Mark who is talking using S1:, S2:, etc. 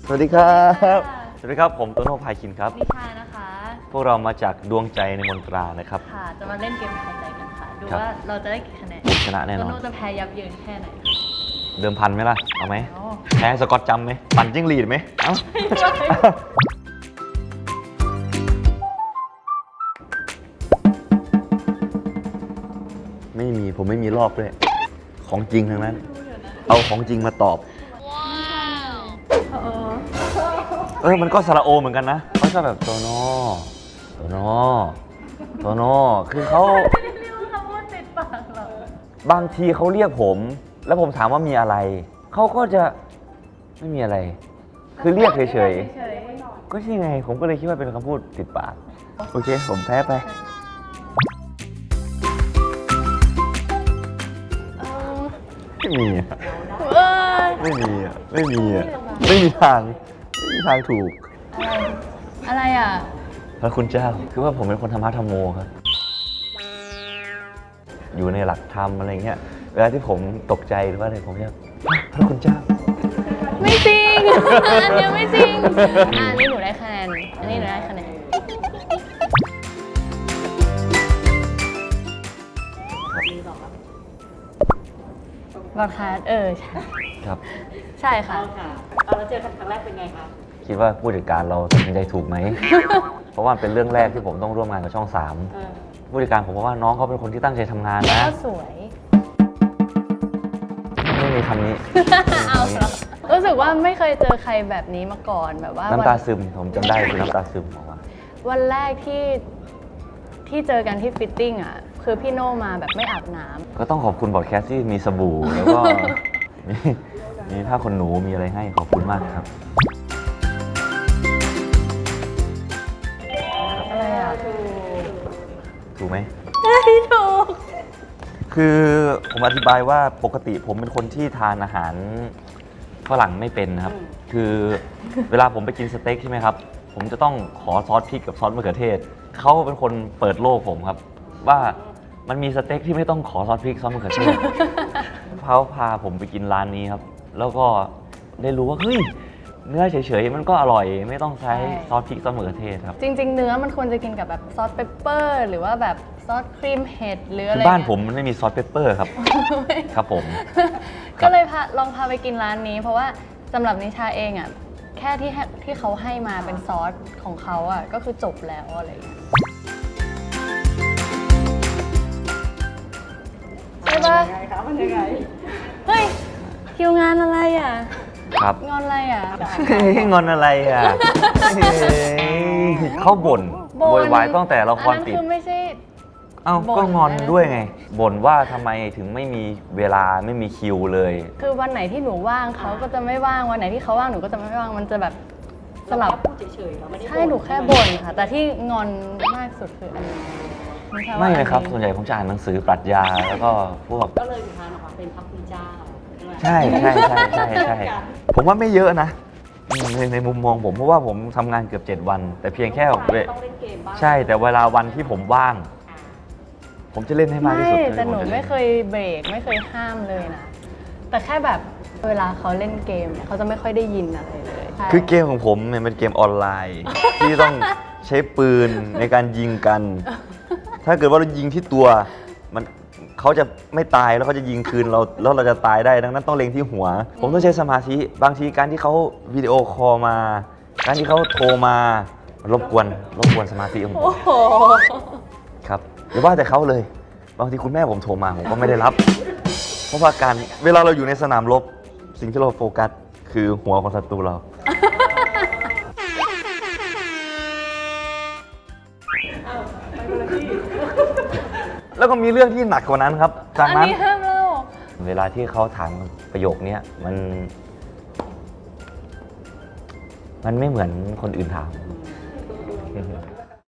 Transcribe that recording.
S1: สวัสดีครับสวัสดีครับผมโตโน่พายคินครับ
S2: นิชานะคะ
S1: พวกเรามาจากดวงใจในมนตรานะครับ
S2: ค่ะจะมาเล่นเกมทายใจกันค่ะดูว่าเราจะได้กี่คะแนน
S1: ชนะแน่นอน
S2: โตโน่จะแพ้ยับเยินแค่ไหน
S1: เดิมพันไหมล่ะเอาไหมแพ้สกอตจำไหมปั่นจิ้งหรีดไหมเอ้าไม่มีผมไม่มีรอบด้วยของจริงทั้งนั้นเอาของจริงมาตอบมันก็สระโอเหมือนกันนะเขาชอบแบบโตโน่โตโน่โตโน่คือเขา
S2: ไม่ได้เรียกว่าคำว่าติดปากหรอก
S1: บางทีเขาเรียกผมแล้วผมถามว่ามีอะไรเขาก็จะไม่มีอะไร คือเรียกเฉยๆก็ใช่ไงผมก็เลยคิดว่าเป็นคำพูดติดปากโอเคผมแพ้ไปไม่มีอ่ะไม่มีอ่ะไม่มีอ่ะไม่มีทางถูก
S2: อะไรอ่ะ
S1: พระคุณเจ้าคือว่าผมเป็นคนธรรมะธรรมโมครับอยู่ในหลักธรรมอะไรเงี้ยเวลาที่ผมตกใจหรือว่าอะไรผมจะพระคุณเจ้า
S2: ไม่จริงอันนี้ไม่จริงอันนี้หนูได้คะแนนอันนี้หนูได้คะแนนบอดคาสใช่
S1: ครับ
S2: ใช่ค่ะ
S3: แล้วเจอกันครั้งแรกเป็นไงคะ
S1: คิดว่าผู้จัดการเราตัดสินใจถูกไหม เพราะว่าเป็นเรื่องแรกที่ผมต้องร่วมงานกับช่อง3ผู้จัดการผมว่าน้องเขาเป็นคนที่ตั้งใจทำงานนะ
S2: ก็สวย
S1: ไม่มีคำนี้
S2: เอารู้สึกว่าไม่เคยเจอใครแบบนี้มาก่อนแบบว่า
S1: น้ำตาซึมผมจำได้คือน้ำตาซึมบอกว่า
S2: วันแรกที่เจอกันที่ฟิตติ้งอ่ะคือพี่โน่มาแบบไม่อาบน้ำ
S1: ก็ต้องขอบคุณบอดแคสต์ที่มีสบู่แล้วก็มีผ้าขนหนูมีอะไรให้ขอบคุณมากครับ
S2: อะไรอ่ะ
S1: ถูกไหม
S2: ไม่ถูก
S1: คือผมอธิบายว่าปกติผมเป็นคนที่ทานอาหารฝรั่งไม่เป็นนะครับคือเวลาผมไปกินสเต็กใช่ไหมครับผมจะต้องขอซอสพริกกับซอสมะเขือเทศเขาเป็นคนเปิดโลกผมครับว่ามันมีสเต็กที่ไม่ต้องขอซอสพริกซอสมะเขือเทศเขาพาผมไปกินร้านนี้ครับแล้วก็ได้รู้ว่าเฮ้ยเนื้อเฉยๆมันก็อร่อยไม่ต้องใช้ซอสพริกซอสมะเขือเทศครับ
S2: จริงๆเนื้อมันควรจะกินกับแบบซอสเปปเปอร์หรือว่าแบบซอสครีมเห็ดหรืออะไร
S1: บ้านผมมันไม่มีซอสเปปเปอร์ครับครับผม
S2: ก็เลยลองพาไปกินร้านนี้เพราะว่าสำหรับนิชาเองอ่ะแค่ที่เขาให้มาเป็นซอสของเขาอ่ะก็คือจบแล้วอะไรอย่างเงี้ยใช่ปะ
S3: มันยังไง
S2: เฮ้ยคิวงานอะไรอ่ะ
S1: ครับ
S2: งอนอะไรอ่ะ
S1: งอนอะไรอ่ะเขาบ่นโวยวายตั้งแต่ละครติด
S2: คือไม่ใช่
S1: เอ้าก็งอนด้วยไงบ่นว่าทำไมถึงไม่มีเวลาไม่มีคิวเลย
S2: คือวันไหนที่หนูว่างเขาก็จะไม่ว่างวันไหนที่เขาว่างหนูก็จะไม่ว่างมันจะแบบสลับ
S3: พูดเฉยๆเราไม่ได้
S2: ใช่หนูแค่บ่นค่ะแต่ที่งอนมากสุดคืออันนี้
S1: ไม่นะครับส่วนใหญ่ผมจะอ่านหนังสือปรัชญาแล้วก็พวก
S3: ก็เลยทานออกมาเป็นพระคุณเจ้า
S1: ใช่ผมว่าไม่เยอะนะในมุมมองผมเพราะว่าผมทำงานเกือบ7 วันแต่เพียงแค่
S3: ต้องเล่นเกมบ้าง
S1: ใช่แต่เวลาวันที่ผมว่างผมจะเล่นให้มากที่สุด
S2: แต่หนูไม่เคยเบรกไม่เคยห้ามเลยนะแต่แค่แบบเวลาเขาเล่นเกมเนี่ยเขาจะไม่ค่อยได้ยินอะไรเลย
S1: คือเกมของผมเนี่ยเป็นเกมออนไลน์ ที่ต้องใช้ปืนในการยิงกันถ้าเกิดว่าเรายิงที่ตัวมันเขาจะไม่ตายแล้วเขาจะยิงคืนเราแล้วเราจะตายได้ดังนั้นต้องเล็งที่หัวผมต้องใช้สมาธิบางทีการที่เขาวิดีโอคอลมาการที่เขาโทรมารบกวนสมาธิของผมครับหรือว่าแต่เขาเลยบางทีคุณแม่ผมโทรมาผมก็ไม่ได้รับเพราะว่าการเวลาเราอยู่ในสนามรบสิ่งที่เราโฟกัสคือหัวของศัตรูเราแล้วก็มีเรื่องที่หนักกว่านั้นครับจากนั้นเวลาที่เขาถามประโยคนี้มันไม่เหมือนคนอื่นถาม